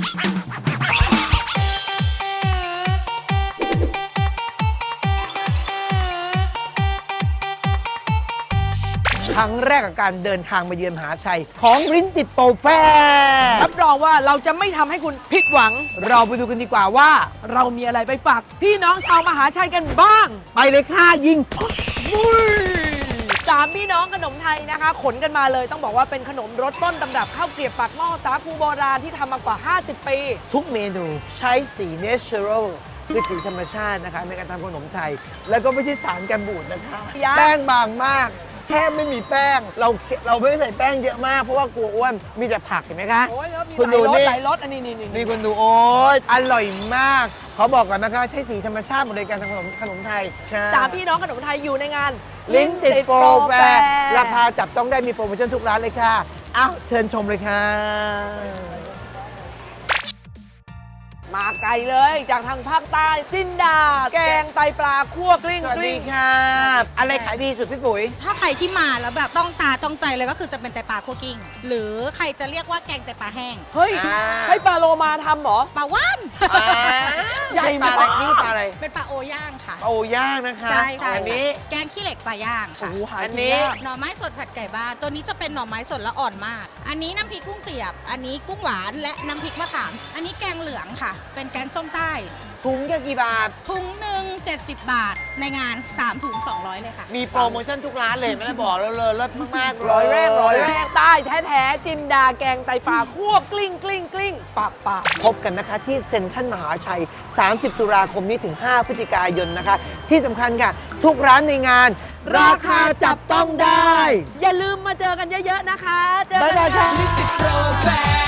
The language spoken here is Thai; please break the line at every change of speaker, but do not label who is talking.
ครั้งแรกกับการเดินทางมาเยือนมหาชัยของลิ้นติดโปรแฟร์
รับรองว่าเราจะไม่ทำให้คุณผิดหวัง
เราไปดูกันดีกว่าว่า
เรามีอะไรไปฝากพี่น้องชาวมหาชัยกันบ้าง
ไปเลยค่ะยิง
สามพี่น้องขนมไทยนะคะ ขนกันมาเลยต้องบอกว่าเป็นขนมรสต้นตำรับข้าวเกรียบปากหม้อสาคูโบราณที่ทำมากว่า 50 ปี
ทุกเมนูใช้สีเนเชอรัลคือสีธรรมชาตินะคะในการทำขนมไทย แล้วก็ไม่ใช่สารกันบูดนะคะ
ยัง
แป้งบางมากแทบไม่มีแป้ง เราไม่ได้ใส่แป้งเยอะมากเพราะว่ากลัวอ้วนมีแต่ผักเห็นไหมคะ
โอ้ยแล้วมี
คุณ
ห
ดู
ลายรส
นี่
หลายรสอันนี้นี่
นี่คุณดูโอ๊ยอร่อยมากเขาบอกกันนะคะใช้สีธรรมชาติหมดเลยการทำขนมไทยใช่
สามพี่น้องขนมไทยอยู่ในงาน
ลิ้นติดโปรแฟร์รา
ร์
คาจับต้องได้มีโปรโมชั่นทุกร้านเลยค่ะอ้าวเชิญชมเลยค่ะ
มาไกลเลยจากทางภาคใต้จินดา แกงไตปลาคั่วกลิ้ง
สวัส
ก
ดี
ลิ้ง
ค่ะ อะไรขายดีสุดพี่ปุ๋ย
ถ้าใครที่มาแล้วแบบต้องตาจ้องใจเลยก็คือจะเป็นไตปลาคั่วกิ้ง หรือใครจะเรียกว่าแกงไตปลาแห้ง
เฮ้ย
อ่า
ให้ปลาโลมาทำเหรอ
ปลาว่าน
ใหญ่
ปลาอะไรนี่ปลาอะไร
เป็นปลาโอย่างค่ะ
โอย่างนะคะ
ใช่ค่ะ
อันนี้
แกงขี้เหล็กปลาย่าง
โอ้
ค่ะ
โหหา
อัน
กิน
นี้
ยาก
หน่อไม้สดผัดไก่บ้าน ตัวนี้จะเป็นหน่อไม้สดและอ่อนมาก อันนี้น้ำพริกกุ้งเสียบ อันนี้กุ้งหวานและน้ำพริกมะขาม อันนี้แกงเหลืองค่ะ เป็นแกงส้มใต้
ถุงแค่กี่บาท
ถุงหนึ่ง70 บาท ในงาน3ถุง200เลยค่ะ
มีโปรโมชั่นทุกร้านเลยไม่ได้บอกเราเลยลดมากๆ
ร้อยแรกใต้แท้ๆจินดาแกงไตปลาคั่วกลิ้งกลิ้งกลิ้งปากปาก
พบกันนะคะที่เซ็นทรัลมหาชัย 30 ตุลาคมนี้ถึง 5 พฤศจิกายนนะคะ ที่สำคัญค่ะ ทุกร้านในงาน ราคาจับต้องได้
อย่าลืมมาเจอกันเยอะๆนะคะ เจอ
บ๊าย
กัน
บายค่ะ
ค่ะ